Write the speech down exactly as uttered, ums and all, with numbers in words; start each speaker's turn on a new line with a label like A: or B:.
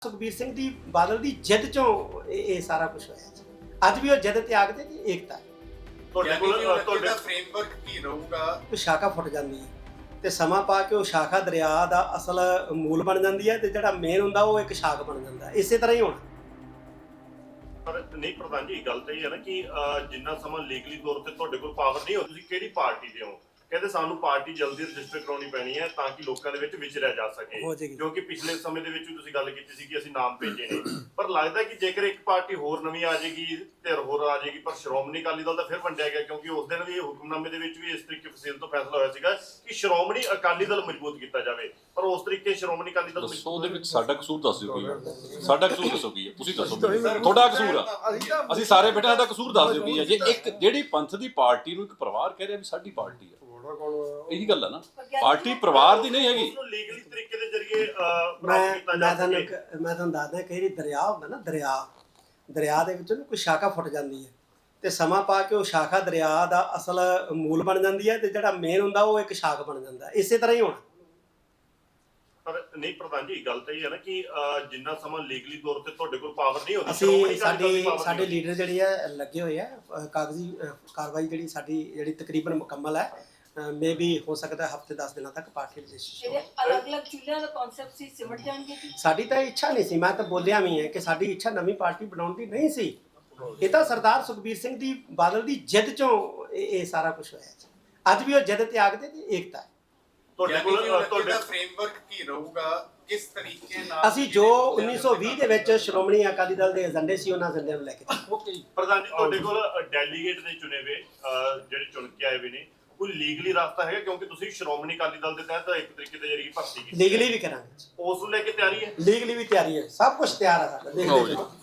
A: ਸੁਖਬੀਰ ਸਿੰਘ ਦੀ ਬਾਦਲ ਦੀ ਜਿੱਦ ਚੋਂ ਇਹ ਇਹ ਸਾਰਾ ਕੁਝ ਹੋਇਆ ਜੀ। ਅੱਜ ਵੀ ਉਹ ਜਿੱਦ ਤਿਆਗ ਤੇ ਏਕਤਾ ਹੈ।
B: ਤੁਹਾਡੇ ਕੋਲ ਤੁਹਾਡਾ ਫਰੇਮਵਰਕ ਕੀ ਰਹੂਗਾ?
A: ਉਹ ਸ਼ਾਖਾ ਫੁੱਟ ਜਾਂਦੀ ਹੈ ਤੇ ਸਮਾਂ ਪਾ ਕੇ ਉਹ ਸ਼ਾਖਾ ਦਰਿਆ ਦਾ ਅਸਲ ਮੂਲ ਬਣ ਜਾਂਦੀ ਹੈ ਤੇ ਜਿਹੜਾ ਮੇਨ ਹੁੰਦਾ ਉਹ ਇੱਕ ਸ਼ਾਖ ਬਣ ਜਾਂਦਾ ਹੈ। ਇਸੇ ਤਰ੍ਹਾਂ ਹੀ ਹੋਣਾ।
B: ਪਰ ਨਹੀਂ ਪ੍ਰਧਾਨ ਜੀ, ਗੱਲ ਤਾਂ ਇਹ ਹੈ ਨਾ ਕਿ ਜਿੰਨਾ ਸਮਾਂ ਲੀਗਲੀ ਤੌਰ ਤੇ ਤੁਹਾਡੇ ਕੋਲ ਪਾਵਰ ਨਹੀਂ ਹੋ, ਤੁਸੀਂ ਕਿਹੜੀ ਪਾਰਟੀ ਦੇ ਹੋ? ਕਹਿੰਦੇ ਸਾਨੂੰ ਪਾਰਟੀ ਜਲਦੀ ਰਜਿਸਟਰ ਕਰਾਉਣੀ ਪੈਣੀ ਹੈ ਤਾਂ ਕਿ ਲੋਕਾਂ ਦੇ ਵਿੱਚ ਵਿਚਰਿਆ ਜਾ ਸਕੇ, ਕਿਉਂਕਿ ਪਿਛਲੇ ਸਮੇਂ ਦੇ ਵਿੱਚ ਵੀ ਤੁਸੀਂ ਗੱਲ ਕੀਤੀ ਸੀ ਕਿ ਅਸੀਂ ਨਾਮ ਭੇਜੇ ਨੇ। ਪਰ ਲੱਗਦਾ ਕਿ ਜੇਕਰ ਇੱਕ ਪਾਰਟੀ ਹੋਰ ਨਵੀਂ ਆ ਜਾਏਗੀ, ਧਿਰ ਹੋਰ ਆ ਜਾਏਗੀ, ਪਰ ਸ਼੍ਰੋਮਣੀ ਅਕਾਲੀ ਦਲ ਤਾਂ ਫਿਰ ਵੰਡਿਆ ਗਿਆ, ਕਿਉਂਕਿ ਉਸ ਦਿਨ ਵੀ ਹੁਕਮਨਾਮੇ ਦੇ ਵਿੱਚ ਵੀ ਇਸ ਤਰੀਕੇ ਫਸੀਲ ਤੋਂ ਫੈਸਲਾ ਹੋਇਆ ਸੀਗਾ ਕਿ ਸ਼੍ਰੋਮਣੀ ਅਕਾਲੀ ਦਲ ਮਜ਼ਬੂਤ ਕੀਤਾ ਜਾਵੇ, ਪਰ ਉਸ ਤਰੀਕੇ ਸ਼੍ਰੋਮਣੀ ਅਕਾਲੀ ਦਲ
C: ਦੱਸੋ ਉਹਦੇ ਵਿੱਚ ਸਾਡਾ ਕਸੂਰ ਦੱਸ ਦਿਓ ਕੀ ਸਾਡਾ ਕਸੂਰ ਦੱਸੋ ਕੀ ਹੈ? ਤੁਸੀਂ ਦੱਸੋ ਤੁਹਾਡਾ ਕਸੂਰ ਆ, ਅਸੀਂ ਸਾਰੇ ਬੇਟੇ ਸਾਡਾ ਕਸੂਰ ਦੱਸ ਦਿਓ ਕੀ ਹੈ? ਜੇ ਇੱਕ ਜਿਹੜੀ ਪੰਥ ਦੀ ਪਾਰਟੀ ਨੂੰ ਇੱਕ ਪਰਿਵਾਰ ਕਹਿ ਰਿਹਾ ਵੀ ਸਾਡੀ ਪਾਰਟੀ ਹੈ, ਇਹੀ ਗੱਲ ਹੈ ਨਾ, ਪਾਰਟੀ ਪਰਿਵਾਰ ਦੀ ਨਹੀਂ ਹੈਗੀ।
B: ਲੀਗਲੀ ਤਰੀਕੇ ਦੇ ਜ਼ਰੀਏ
A: ਮੈਂ ਮੈਂ ਤੁਹਾਨੂੰ ਮੈਂ ਤੁਹਾਨੂੰ ਦੱਸਦਾ ਕਿ ਜਿਹੜੀ ਦਰਿਆ ਹੁੰਦਾ ਨਾ, ਦਰਿਆ ਦਰਿਆ ਦੇ ਵਿੱਚ ਨਾ ਕੋਈ ਸ਼ਾਖਾ ਫੁੱਟ ਜਾਂਦੀ ਹੈ ਤੇ ਸਮਾਂ ਪਾ ਕੇ ਉਹ ਸ਼ਾਖਾ ਦਰਿਆ ਦਾ ਅਸਲ ਮੂਲ ਬਣ ਜਾਂਦੀ ਹੈ ਤੇ ਜਿਹੜਾ ਮੇਨ ਹੁੰਦਾ ਉਹ ਇੱਕ ਸ਼ਾਖ ਬਣ ਜਾਂਦਾ ਹੈ। ਇਸੇ ਤਰ੍ਹਾਂ ਹੀ ਹੋਣਾ।
B: ਪਰ ਨਹੀਂ ਪ੍ਰਧਾਨ ਜੀ, ਗੱਲ ਤਾਂ ਇਹ ਹੈ ਨਾ ਕਿ ਜਿੰਨਾ ਸਮਾਂ ਲੀਗਲੀ ਤੌਰ ਤੇ ਤੁਹਾਡੇ ਕੋਲ ਪਾਵਰ ਨਹੀਂ ਹੁੰਦੀ,
A: ਅਸੀਂ ਸਾਡੇ ਸਾਡੇ ਲੀਡਰ ਜਿਹੜੇ ਆ ਲੱਗੇ ਹੋਏ ਆ, ਕਾਗਜ਼ੀ ਕਾਰਵਾਈ ਜਿਹੜੀ ਸਾਡੀ ਜਿਹੜੀ ਤਕਰੀਬਨ ਮੁਕੰਮਲ ਹੈ। ਮੇ ਵੀ ਹੋ ਸਕਦਾ ਹਫਤੇ ਦਸ ਦਿਨਾਂ ਤੱਕ ਪਾਰਟੀ ਰਜਿਸਟ੍ਰੇਸ਼ਨ।
D: ਅਲੱਗ-ਅਲੱਗ ਚੁੱਲ੍ਹਿਆਂ ਦਾ ਕਨਸੈਪਟ ਸੀ, ਸਿਮਟ ਜਾਣਗੇ ਜੀ।
A: ਸਾਡੀ ਤਾਂ ਇੱਛਾ ਨਹੀਂ ਸੀ, ਮੈਂ ਤਾਂ ਬੋਲਿਆ ਵੀ ਹੈ ਕਿ ਸਾਡੀ ਇੱਛਾ ਨਵੀਂ ਪਾਰਟੀ ਬਣਾਉਣ ਦੀ ਨਹੀਂ ਸੀ। ਇਹ ਤਾਂ ਸਰਦਾਰ ਸੁਖਬੀਰ ਸਿੰਘ ਦੀ ਬਾਦਲ ਦੀ ਜਿੱਦ ਚੋਂ ਇਹ ਇਹ ਸਾਰਾ ਕੁਝ ਹੋਇਆ ਜੀ। ਅੱਜ ਵੀ ਉਹ ਜਿੱਦ ਤਿਆਗ ਤੇ ਏਕਤਾ ਹੈ।
B: ਤੁਹਾਡੇ ਕੋਲ
E: ਤੁਹਾਡਾ ਫਰੇਮਵਰਕ ਕੀ ਰਹੂਗਾ? ਕਿਸ ਤਰੀਕੇ ਨਾਲ
A: ਅਸੀਂ ਜੋ ਉੱਨੀ ਸੌ ਵੀਹ ਦੇ ਵਿੱਚ ਸ਼੍ਰੋਮਣੀ ਅਕਾਲੀ ਦਲ ਦੇ ਏਜੰਡੇ ਸੀ ਉਹਨਾਂ ਏਜੰਡਿਆਂ ਨੂੰ ਲੈ ਕੇ
B: ਪ੍ਰਧਾਨ ਜੀ, ਤੁਹਾਡੇ ਕੋਲ ਡੈਲੀਗੇਟ ਦੇ ਚੁਣੇ ਹੋਏ ਜਿਹੜੇ ਚੁਣ ਕੇ ਆਏ ਵੀ ਨੇ, ਕੋਈ ਲੀਗਲੀ ਰਸਤਾ ਹੈਗਾ? ਕਿਉਂਕਿ ਤੁਸੀਂ ਸ਼੍ਰੋਮਣੀ ਅਕਾਲੀ ਦਲ ਦੇ ਤਹਿਤ ਇੱਕ ਤਰੀਕੇ ਦੇ ਜਰੀਏ ਭਰਤੀ ਕੀਤੀ,
A: ਲੀਗਲੀ ਵੀ ਕਰਾਂਗੇ,
B: ਉਸ ਨੂੰ ਲੈ ਕੇ ਤਿਆਰੀ ਹੈ?
A: ਲੀਗਲੀ ਵੀ ਤਿਆਰੀ ਹੈ, ਸਭ ਕੁਝ ਤਿਆਰ ਹੈ ਸਾਡਾ। ਦੇਖਦੇ ਜਾਓ।